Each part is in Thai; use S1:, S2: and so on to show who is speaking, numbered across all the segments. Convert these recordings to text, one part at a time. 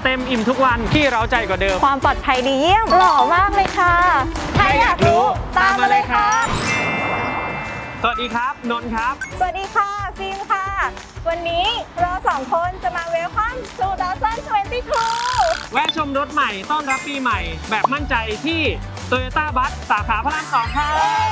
S1: เต็มอิ่มทุกวันที่เราใจกว่าเดิม
S2: ความปลอดภัยดีเยี่ยมหล่อมากเลยค่ะถ้าอยากรู้ตามมาเลยค่ะ
S1: สวัสดีครับนนท์ครับ
S2: สวัสดีค่ะฟิล์มค่ะวันนี้เรา2 คนจะมาเวลคัม2022
S1: แวะชมรถใหม่ต้อนรับปีใหม่แบบมั่นใจที่ Toyota Bus สาขาพระราม 2ครับ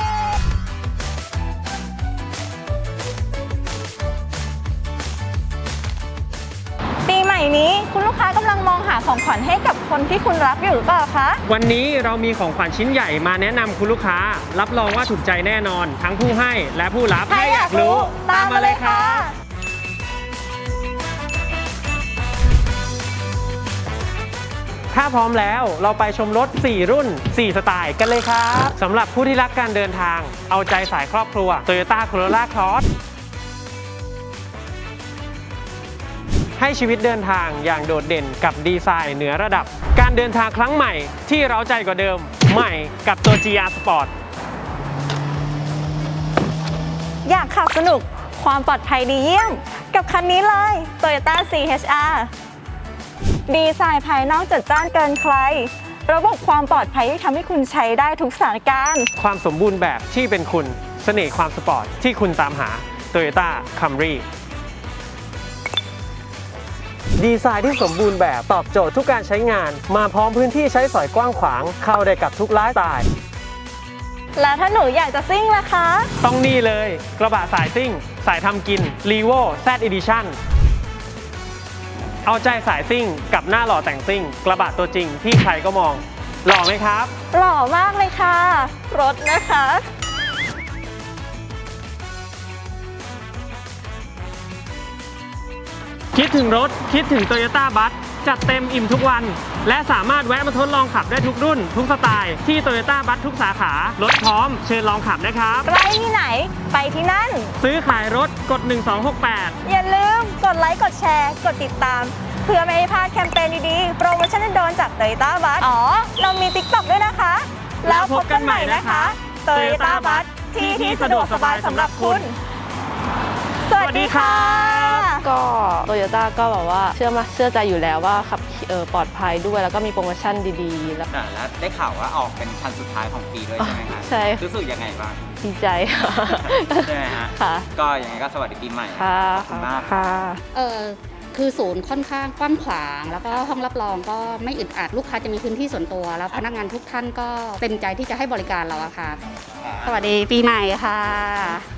S2: ปีใหม่นี้คุณลูกค้ากำลังมองหาของขวัญให้กับคนที่คุณรักอยู่หรือเปล่าคะ
S1: วันนี้เรามีของขวัญชิ้นใหญ่มาแนะนำคุณลูกค้ารับรองว่าถูกใจแน่นอนทั้งผู้ให้และผู้รับ
S2: ถ้าอยากรู้ตามมาเลยค่ะ
S1: ถ้าพร้อมแล้วเราไปชมรถ 4 รุ่น 4 สไตล์กันเลยครับสำหรับผู้ที่รักการเดินทางเอาใจสายครอบครัว Toyota Corolla Cross ให้ชีวิตเดินทางอย่างโดดเด่นกับดีไซน์เหนือระดับการเดินทางครั้งใหม่ที่เร้าใจกว่าเดิมใหม่กับตัว GR Sport
S2: อยากขับสนุกความปลอดภัยดีเยี่ยมกับคันนี้เลย Toyota CHR ดีไซน์ภายนอกจัดจ้านเกินใครระบบความปลอดภัยที่ทำให้คุณใช้ได้ทุกสถานการณ์
S1: ความสมบูรณ์แบบที่เป็นคุณเสน่ห์ความสปอร์ตที่คุณตามหา Toyota Camry ดีไซน์ที่สมบูรณ์แบบตอบโจทย์ทุกการใช้งานมาพร้อมพื้นที่ใช้สอยกว้างขวางเข้าได้กับทุกไลฟ์สไตล์
S2: แล้วถ้าหนูอยากจะซิ่งล่ะคะ
S1: ต้องนี่เลยกระบะสายซิ่งสายทำกิน Revo Z Edition เอาใจสายซิ่งกับหน้าหล่อแต่งซิ่งกระบะตัวจริงที่ใครก็มองหล่อไหมครับ
S2: หล่อมากเลยค่ะรถนะคะ
S1: คิดถึงรถคิดถึง Toyota Bus จัดเต็มอิ่มทุกวันและสามารถแวะมาทดลองขับได้ทุกรุ่นทุกสไตล์ที่ Toyota Bus ทุกสาขารถพร้อมเชิญลองขับนะครับ
S2: ใกล้ที่ไหนไปที่นั่น
S1: ซื้อขายรถกด1268
S2: อย่าลืมกดไลค์กดแชร์กดติดตามเพื่อไม่ให้พลาดแคมเปญดีๆโปรโมชั่นโดนจาก Toyota Bus เรามี TikTok ด้วยนะคะแล้วพบกันใหม่นะคะ Toyota Bus ที่สะดวกสบายสำหรับคุณสวัสดีค่ะ
S3: ก็โตโยต้าก็แบบว่าเชื่อใจอยู่แล้วว่าขับปลอดภัยด้วยแล้วก็มีโปรโมชั่นดีๆแล้ว
S4: ได้ข่าวว่าออกเป็นคันสุดท้ายของปีด้วยใช่ไหมคะ
S3: ใช่
S4: รู้สึกยังไงบ้าง
S3: ดีใจค่ะ
S4: ใช่ไหมฮะ
S3: ค่ะ
S4: ก็ยังไงก็สวัสดีปีใหม่
S3: ค่ะ
S4: ขอบคุณมาก
S3: ค่ะ
S5: คือศูนย์ค่อนข้างกว้างขวางแล้วก็ห้องรับรองก็ไม่อึดอัดลูกค้าจะมีพื้นที่ส่วนตัวแล้วพนักงานทุกท่านก็เต็มใจที่จะให้บริการเราอะค่ะสวัสดีปีใหม่ค่ะ